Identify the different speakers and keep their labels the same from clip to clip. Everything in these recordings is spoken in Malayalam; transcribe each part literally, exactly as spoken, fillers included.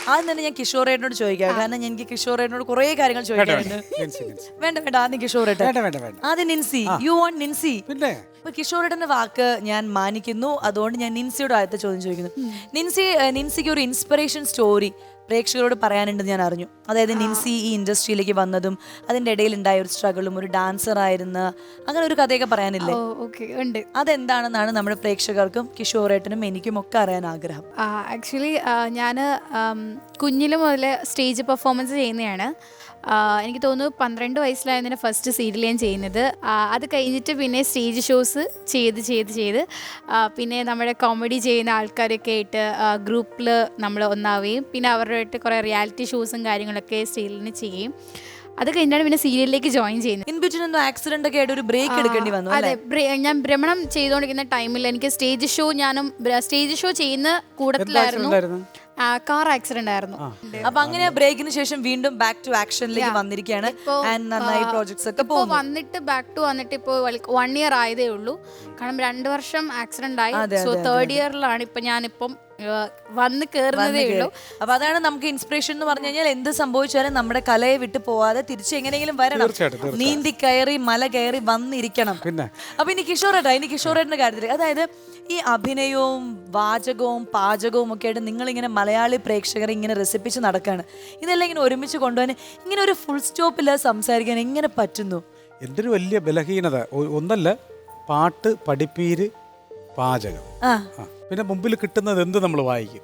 Speaker 1: ആദ്യം തന്നെ ഞാൻ കിഷോറേട്ടനോട് ചോദിക്കാം, കാരണം എനിക്ക് കിഷോറേട്ടനോട് കുറെ കാര്യങ്ങൾ ചോദിക്കാറുണ്ട്. വേണ്ട വേണ്ട ആദ്യം കിഷോറേട്ടൻ. ആദ്യം നിൻസി, യു വാണ്ട് നിൻസി.
Speaker 2: പിന്നെ
Speaker 1: കിഷോറേട്ടന്റെ വാക്ക് ഞാൻ മാനിക്കുന്നു, അതുകൊണ്ട് ഞാൻ നിൻസിയുടെ ആദ്യത്തെ ചോദ്യം ചോദിക്കുന്നു. നിൻസി നിൻസിക്ക് ഒരു ഇൻസ്പിറേഷൻ സ്റ്റോറി പ്രേക്ഷകരോട് പറയാനുണ്ടെന്ന് ഞാൻ അറിഞ്ഞു. അതായത് നിൻസി ഈ ഇൻഡസ്ട്രിയിലേക്ക് വന്നതും അതിന്റെ ഇടയിൽ ഉണ്ടായ ഒരു സ്ട്രഗിളും, ഒരു ഡാൻസർ ആയിരുന്ന അങ്ങനെ ഒരു കഥയൊക്കെ പറയാനില്ലേ?
Speaker 3: ഉണ്ട്.
Speaker 1: അതെന്താണെന്നാണ് നമ്മുടെ പ്രേക്ഷകർക്കും കിഷോറേട്ടനും എനിക്കും ഒക്കെ അറിയാൻ ആഗ്രഹം.
Speaker 3: ആക്ച്വലി ഞാൻ കുഞ്ഞില് മുതൽ സ്റ്റേജ് പെർഫോമൻസ് ചെയ്യുന്നതാണ്. എനിക്ക് തോന്നുന്നു പന്ത്രണ്ട് വയസ്സിലായതിന് ഫസ്റ്റ് സീരിയൽ ഞാൻ ചെയ്യുന്നത്. അത് കഴിഞ്ഞിട്ട് പിന്നെ സ്റ്റേജ് ഷോസ് ചെയ്ത് ചെയ്ത് ചെയ്ത് പിന്നെ നമ്മുടെ കോമഡി ചെയ്യുന്ന ആൾക്കാരൊക്കെ ആയിട്ട് ഗ്രൂപ്പിൽ നമ്മൾ ഒന്നാവുകയും പിന്നെ അവരുടെ ആയിട്ട് കുറേ റിയാലിറ്റി ഷോസും കാര്യങ്ങളൊക്കെ സ്റ്റേജിൽ ചെയ്യും. അത് കഴിഞ്ഞാണ് പിന്നെ സീരിയലിലേക്ക് ജോയിൻ ചെയ്യുന്നത്.
Speaker 1: ഇൻ ബിറ്റ്വീൻ എന്തോ ആക്സിഡന്റ് ഒക്കെ ആയിട്ട് ഒരു ബ്രേക്ക് എടുക്കേണ്ടി വന്നു.
Speaker 3: അതെ, ഞാൻ ഭ്രമണം ചെയ്തുകൊണ്ടിരിക്കുന്ന ടൈമിൽ എനിക്ക് സ്റ്റേജ് ഷോ ഞാനും സ്റ്റേജ് ഷോ ചെയ്യുന്ന കൂട്ടത്തിലായിരുന്നു. കാർ ആക്സിഡന്റ് ആയിരുന്നു.
Speaker 1: അപ്പൊ അങ്ങനെ ബ്രേക്കിന് ശേഷം വീണ്ടും ബാക്ക് ടു ആക്ഷനിലേക്ക് വന്നിരിക്കുകയാണ്. നന്നായി പ്രോജക്ട്സ് ഒക്കെ
Speaker 3: ഇപ്പോൾ വന്നിട്ട് ബാക്ക് ടു വന്നിട്ട് ഇപ്പോൾ വൺ ഇയർ ആയതേ ഉള്ളൂ. കാരണം രണ്ടു വർഷം ആക്സിഡന്റ് ആയി. സോ തേർഡ് ഇയറിലാണ് ഇപ്പൊ ഞാനിപ്പം വന്ന് കയറുന്നതേ ഉള്ളൂ.
Speaker 1: അപ്പൊ അതാണ് നമുക്ക് ഇൻസ്പിറേഷൻ എന്ന് പറഞ്ഞു കഴിഞ്ഞാൽ എന്ത് സംഭവിച്ചാലും നമ്മുടെ കലയെ വിട്ടു പോവാതെ തിരിച്ച് എങ്ങനെയെങ്കിലും വരണം, നീന്തി കയറി മല കയറി വന്നിരിക്കണം. അപ്പൊ ഇനി കിഷോറേട്ടാ, ഇനി കിഷോറേട്ടന്റെ കാര്യത്തിൽ, അതായത് ഈ അഭിനയവും വാചകവും പാചകവും ഒക്കെ ആയിട്ട് നിങ്ങളിങ്ങനെ മലയാളി പ്രേക്ഷകരെ ഇങ്ങനെ രസിപ്പിച്ച് നടക്കാണ്. ഇതെല്ലാം ഇങ്ങനെ ഒരുമിച്ച് കൊണ്ടുപോകാൻ ഇങ്ങനെ ഒരു ഫുൾ സ്റ്റോപ്പില്ല സംസാരിക്കാൻ എങ്ങനെ പറ്റുന്നു?
Speaker 2: എന്തൊരു വലിയ ബലഹീനത. ഒന്നല്ല, പാട്ട്, പഠിപ്പീര്, പാചകം, പിന്നെ മുമ്പിൽ കിട്ടുന്നത് എന്ത് നമ്മൾ വായിക്കും.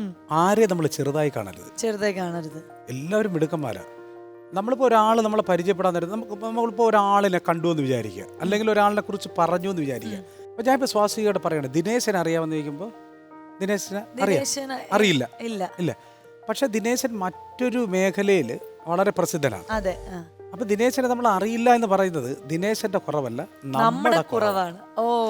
Speaker 2: ആരെ നമ്മൾ ചെറുതായി കാണരുത്,
Speaker 1: ചെറുതായി കാണരുത്.
Speaker 2: എല്ലാവരും മിടുക്കന്മാരാ. നമ്മളിപ്പോൾ ഒരാൾ നമ്മളെ പരിചയപ്പെടാൻ നേരം നമുക്ക് നമ്മളിപ്പോൾ ഒരാളിനെ കണ്ടു എന്ന് വിചാരിക്കുക, അല്ലെങ്കിൽ ഒരാളിനെ കുറിച്ച് പറഞ്ഞു എന്ന് വിചാരിക്കുക. അപ്പോൾ ഞാനിപ്പോൾ സ്വാസികയോട് പറയണേ, ദിനേശനെ അറിയാമെന്ന് ചോദിക്കുമ്പോൾ ദിനേശനെ അറിയാം അറിയില്ല ഇല്ല ഇല്ല പക്ഷെ ദിനേശൻ മറ്റൊരു മേഖലയിൽ വളരെ പ്രസിദ്ധനാണ്.
Speaker 1: അതെ.
Speaker 2: അപ്പൊ ദിനേശനെ നമ്മൾ അറിയില്ല എന്ന് പറയുന്നത് ദിനേശന്റെ കുറവല്ല, നമ്മുടെ കുറവാണ്.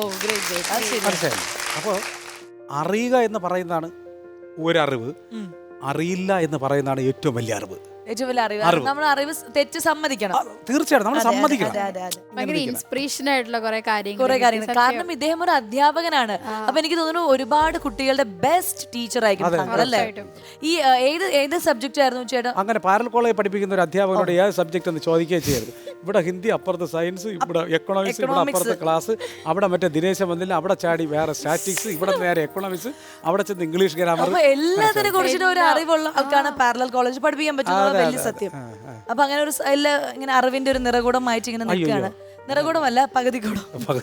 Speaker 2: മനസ്സിലായി? അപ്പോൾ അറിയുക എന്ന് പറയുന്നതാണ് ഒരറിവ്, അറിയില്ല എന്ന് പറയുന്നതാണ് ഏറ്റവും വലിയ അറിവ്.
Speaker 1: ഏറ്റവും വലിയ അറിവ്. നമ്മൾ അറിവ് തെറ്റ് സമ്മതിക്കണം.
Speaker 2: തീർച്ചയായിട്ടും നമ്മൾ സമ്മതിക്കണം.
Speaker 3: ഭയങ്കര ഇൻസ്പിറേഷൻ ആയിട്ടുള്ള കുറെ കാര്യങ്ങൾ
Speaker 1: കുറെ കാര്യങ്ങൾ. കാരണം ഇദ്ദേഹം ഒരു അധ്യാപകനാണ്. അപ്പൊ എനിക്ക് തോന്നുന്നു ഒരുപാട് കുട്ടികളുടെ ബെസ്റ്റ് ടീച്ചർ ആയിരിക്കും അല്ലേ? ഈ ഏത് ഏത് സബ്ജക്റ്റ് ആയിരുന്നു ചേട്ടാ?
Speaker 2: അങ്ങനെ പാരൽ കോളേജ് പഠിപ്പിക്കുന്ന ഒരു അധ്യാപകനോട് ഏത് സബ്ജക്ട് എന്ന് ചോദിക്കുകയും ചെയ്യരുത്. ഇവിടെ ഹിന്ദി അപ്പുറത്ത് സയൻസ്, ഇവിടെ എക്കണോമിക്സ്, ഇവിടെ അപ്പുറത്ത് ക്ലാസ്, അവിടെ മറ്റേ ദിനേശൻ വന്നില്ല, അവിടെ ചാടി വേറെ സ്റ്റാറ്റിക്സ്, ഇവിടെ നേരെ എക്കണോമിക്സ്, അവിടെ ചെന്ന് ഇംഗ്ലീഷ് ഗ്രാമർ.
Speaker 1: എല്ലാത്തിനെ കുറിച്ചിട്ട് ഒരു അറിവുള്ള ആൾക്കാണ് പാരലൽ കോളേജ് പഠിപ്പിക്കാൻ പറ്റുന്നത്. വലിയ സത്യം. അപ്പൊ അങ്ങനെ ഒരു ഇങ്ങനെ അറിവിന്റെ ഒരു നിറകൂടമായിട്ട് ഇങ്ങനെ നിൽക്കുകയാണ്. നിറകൂടമല്ല, പകുതി കൂടം.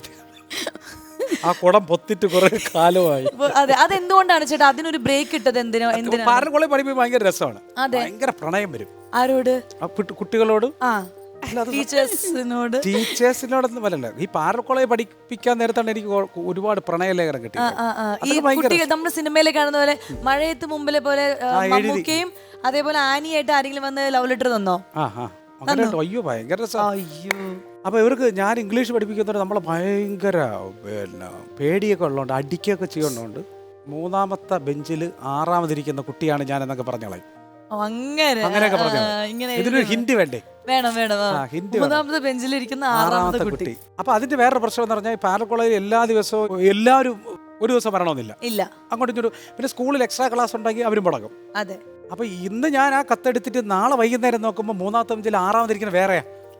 Speaker 2: ആ കുടം പൊത്തിട്ട് കുറെ കാലമായി.
Speaker 1: അതെ. അതെന്തുകൊണ്ടാണ് ചേട്ടാ അതിനൊരു ബ്രേക്ക് ഇട്ടത്? എന്തിനോ എന്തിനാ?
Speaker 2: പാരൽ കോളേജ് പഠിപ്പിക്കാൻ ഭയങ്കര രസമാണ്. ഭയങ്കര പ്രണയം വരും.
Speaker 1: ആരോട്?
Speaker 2: കുട്ടികളോട്.
Speaker 1: ടീച്ചേഴ്സിനോട്.
Speaker 2: ടീച്ചേഴ്സിനോടൊന്നും വരല്ല. ഈ പാരൽ കോളേജ് പഠിപ്പിക്കാൻ നേരത്താണ് എനിക്ക് ഒരുപാട് പ്രണയലേഖനം കിട്ടിയത്.
Speaker 1: ഈ കുട്ടികൾ നമ്മുടെ സിനിമയിലെ കാണുന്ന പോലെ മഴയത്ത് മുമ്പിലെ പോലെ മമ്മൂക്കയും അതേപോലെ ആനിയായിട്ട് ആരെങ്കിലും വന്ന് ലവ് ലെറ്റർ തന്നോ?
Speaker 2: അയ്യോ ഭയങ്കര രസം. അപ്പൊ ഇവർക്ക് ഞാൻ ഇംഗ്ലീഷ് പഠിപ്പിക്കുന്നവരെ നമ്മളെ ഭയങ്കര പിന്നെ പേടിയൊക്കെ ഉള്ളതുകൊണ്ട് അടിക്കുകയൊക്കെ ചെയ്യുന്നതുകൊണ്ട് മൂന്നാമത്തെ ബെഞ്ചിൽ ആറാമതിരിക്കുന്ന കുട്ടിയാണ് ഞാൻ എന്നൊക്കെ പറഞ്ഞോളാം. അങ്ങനെയൊക്കെ പറഞ്ഞു. ഇതിനൊരു ഹിന്ദി വേണ്ടേ?
Speaker 1: വേണം വേണം. മൂന്നാമത്തെ ബെഞ്ചിലിരിക്കുന്ന ആറാമത്തെ കുട്ടി.
Speaker 2: അപ്പൊ അതിന്റെ വേറൊരു പ്രശ്നം എന്ന് പറഞ്ഞാൽ പാരൽ കോളേജിൽ എല്ലാ ദിവസവും എല്ലാവരും ഒരു ദിവസം വരണമെന്നില്ല.
Speaker 1: ഇല്ല.
Speaker 2: അങ്ങോട്ടും ഇങ്ങോട്ടും. പിന്നെ സ്കൂളിൽ എക്സ്ട്രാ ക്ലാസ് ഉണ്ടെങ്കിൽ അവരും മുടങ്ങും.
Speaker 1: അതെ.
Speaker 2: അപ്പൊ ഇന്ന് ഞാൻ ആ കത്തെടുത്തിട്ട് നാളെ വൈകുന്നേരം നോക്കുമ്പോൾ മൂന്നാമത്തെ ബെഞ്ചിൽ ആറാമതിരിക്കുന്ന വേറെയാ.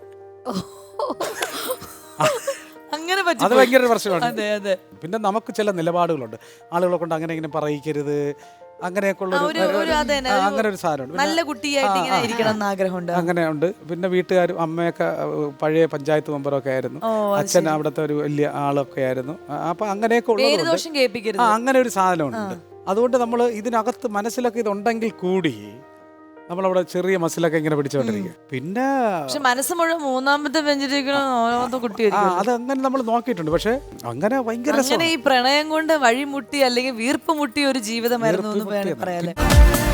Speaker 1: അങ്ങനെ
Speaker 2: അത് ഭയങ്കര പ്രശ്നമാണ്. പിന്നെ നമുക്ക് ചില നിലപാടുകളുണ്ട്. ആളുകളെ കൊണ്ട് അങ്ങനെ ഇങ്ങനെ പറയിക്കരുത്, അങ്ങനെയൊക്കെയുള്ള അങ്ങനെ ഒരു സാധനമുണ്ട്.
Speaker 1: നല്ല കുട്ടിയായിട്ട് ഇങ്ങനെ ഇരിക്കണം എന്ന് ആഗ്രഹമുണ്ട്.
Speaker 2: അങ്ങനെ ഉണ്ട്. പിന്നെ വീട്ടുകാരും അമ്മയൊക്കെ പഴയ പഞ്ചായത്ത് മെമ്പറൊക്കെ ആയിരുന്നു, അച്ഛൻ അവിടുത്തെ ഒരു വലിയ ആളൊക്കെ ആയിരുന്നു. അപ്പൊ അങ്ങനെയൊക്കെ ഉള്ളത് അങ്ങനെ ഒരു സാധനമുണ്ട്. അതുകൊണ്ട് നമ്മൾ ഇതിനകത്ത് മനസ്സിലൊക്കെ ഇതുണ്ടെങ്കിൽ കൂടി നമ്മളവിടെ ചെറിയ മസിലൊക്കെ ഇങ്ങനെ പിടിച്ചോണ്ടിരിക്കുക. പിന്നെ
Speaker 1: മനസ്സ് മുഴുവൻ മൂന്നാമത്തെ ബെഞ്ചിലിരിക്കുന്ന കുട്ടിയായിരിക്കും.
Speaker 2: അത് അങ്ങനെ നമ്മൾ നോക്കിയിട്ടുണ്ട്. പക്ഷെ അങ്ങനെ ഭയങ്കര
Speaker 1: ഈ പ്രണയം കൊണ്ട് വഴിമുട്ടി അല്ലെങ്കിൽ വീർപ്പ് മുട്ടിയ ഒരു ജീവിതമായിരുന്നു എന്ന് പറയാല്ലേ.